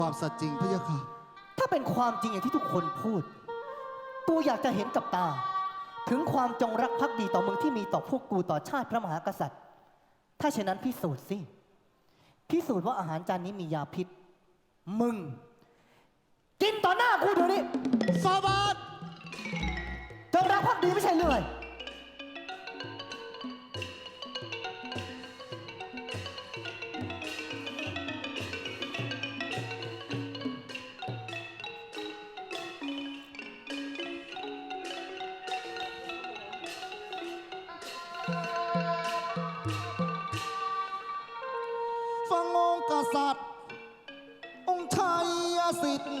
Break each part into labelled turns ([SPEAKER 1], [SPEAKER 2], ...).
[SPEAKER 1] ความสัตย์จริงพระยาค่ะ
[SPEAKER 2] ถ้าเป็นความจริงอย่างที่ทุกคนพูดกูอยากจะเห็นกับตาถึงความจงรักภักดีต่อมึงที่มีต่อพวกกูต่อชาติพระมหากษัตริย์ถ้าเช่นนั้นพิสูจน์สิพิสูจน์ว่าอาหารจานนี้มียาพิษมึงกินต่อหน้ากูเดี๋ยวนี้
[SPEAKER 1] ฟาบาท
[SPEAKER 2] จงรักภักดีไม่ใช่เรื่อย
[SPEAKER 1] ฟังองค์กษัตริย์องค์ชัยสิทธิ์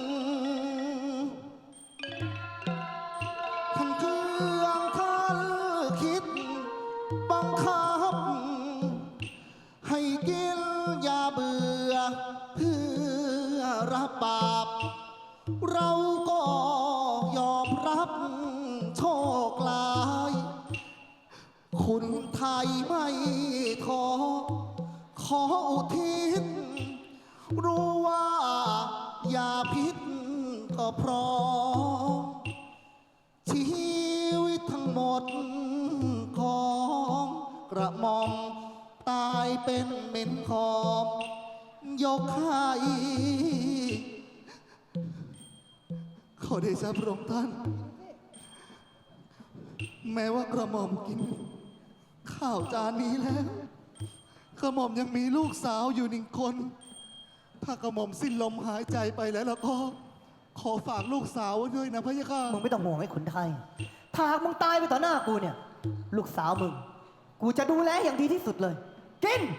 [SPEAKER 1] ท่านเครื่องท่านคิดบังคับให้กินยาเบื่อเพื่อรับบาปเราก็ยอมรับโชคร้ายคุณไทยไม่ท้อขออุทิศรู้ว่ายาพิษก็พร้อมชีวิตทั้งหมดของกระหม่อมตายเป็นเหม็นขอมยกให้ขอเดชะพระองค์ท่านแม้ว่ากระหม่อมกินข้าวจานนี้แล้วกระหม่อมยังมีลูกสาวอยู่หนึ่งคนถ้ากระหม่อมสิ้นลมหายใจไปแล้วก็ขอฝากลูกสาวไว้ด้วยนะพระยาค่ะ
[SPEAKER 2] มึงไม่ต้องห่วงให้ขุนไทยถ้าหากมึงตายไปต่อหน้ากูเนี่ยลูกสาวมึงกูจะดูแลอย่างดีที่สุดเลยกิน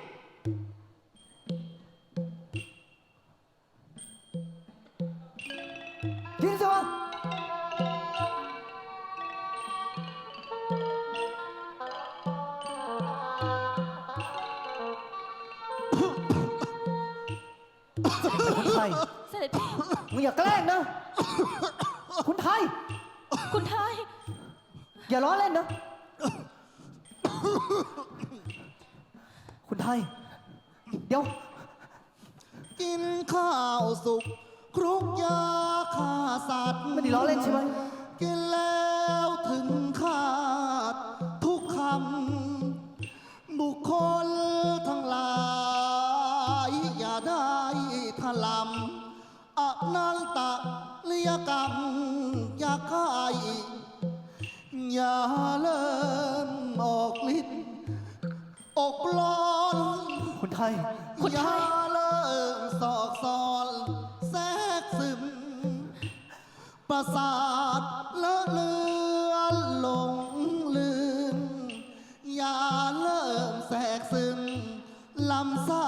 [SPEAKER 2] กินสิวะคุณไทย
[SPEAKER 3] เสด็จพี่
[SPEAKER 2] มึงอย่าแกล้งนะคุณไทย
[SPEAKER 3] คุณไทย
[SPEAKER 2] อย่าล้อเล่นนะคุณไทยเดี๋ยว
[SPEAKER 1] กินข้าวสุกครุกยาฆ่าสัตว์
[SPEAKER 2] ไม่ได้ล้อเล่นใช่ไหม
[SPEAKER 1] กินแล้วถึงขาดทุกคำบุคคลทั้งหลายอย่าได้ถลำอนันตะเลียกรรมอย่าใครอย่าเริ่มออกฤทธิ์อกร้อน
[SPEAKER 2] คุณไทย
[SPEAKER 1] อย่าเริ่มสอกซอนแทรกซึมประสาทละเลือนหลงลืมอย่าเริ่มแทรกซึมลำไส้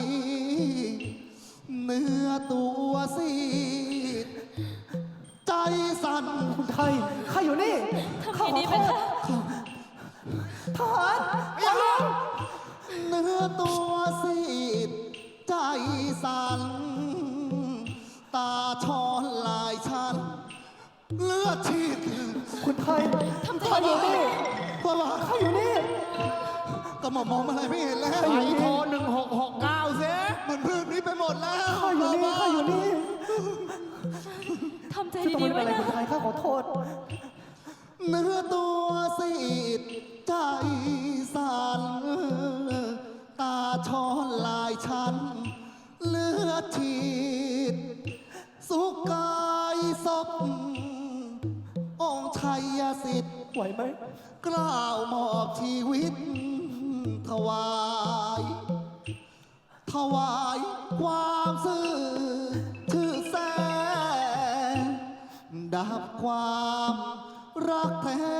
[SPEAKER 1] เนื้อตัวซีดใจสั่น
[SPEAKER 2] คุณไทยข้าอยู่นี่
[SPEAKER 3] ทำไงดีไปคะ
[SPEAKER 2] ทหารอย่าลง
[SPEAKER 1] เนื้อตัวซีดใจสั่นตาช้อนลายชันเลือดฉีด
[SPEAKER 2] คุณไทย
[SPEAKER 3] ทำใจ
[SPEAKER 2] ข้าอ
[SPEAKER 3] ดี
[SPEAKER 2] ยู่
[SPEAKER 3] ๆ
[SPEAKER 2] นี่
[SPEAKER 1] ว่าว่า
[SPEAKER 2] ข้าอยู่นี่
[SPEAKER 1] ก็มองอะไรไม่เห็นแล้ว
[SPEAKER 2] ไอ้โทร
[SPEAKER 1] 1669เสียมันพื้นนี้ไปหมดแล้ว
[SPEAKER 2] ข้าอยู่นี่ข้าอยู่นี่
[SPEAKER 3] ทำใจ
[SPEAKER 2] ที่ต้อง
[SPEAKER 3] ดี
[SPEAKER 2] เป็น
[SPEAKER 3] ๆไว้
[SPEAKER 2] อะไร
[SPEAKER 3] นะ
[SPEAKER 2] คุณไทยข้าขอโทษ
[SPEAKER 1] เนื้อตัวซีดใจสั่นตาช้อนลายชันเลือดฉีดสุกกายศพองค์ชัยสิทธิ์
[SPEAKER 2] ไหวไหม
[SPEAKER 1] กล้าวมอบชีวิตถวายถวายความซื่อชื่อแสงดับความรักแท้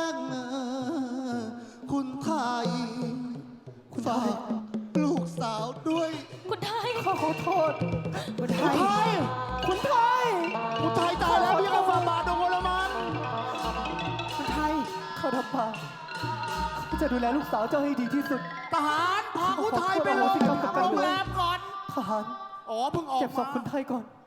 [SPEAKER 1] คุณไทย
[SPEAKER 2] คุณไทย
[SPEAKER 1] ลูกสาวด้วย
[SPEAKER 3] คุณไทย
[SPEAKER 2] ข้าขอโทษคุณไทยคุณไทย
[SPEAKER 1] คุณไทยตายแล้วพี่ก็ฟาบาทองค์ละมัน
[SPEAKER 2] คุณไทยเขาทำบาปเขาจะดูแลลูกสาวเจ้าให้ดีที่สุด
[SPEAKER 1] ทหารพาคุณไทยไปโรงแรมก่อน
[SPEAKER 2] ทหาร
[SPEAKER 1] อ๋อเพิ่งออก
[SPEAKER 2] เก็บศพคุณไทยก่อน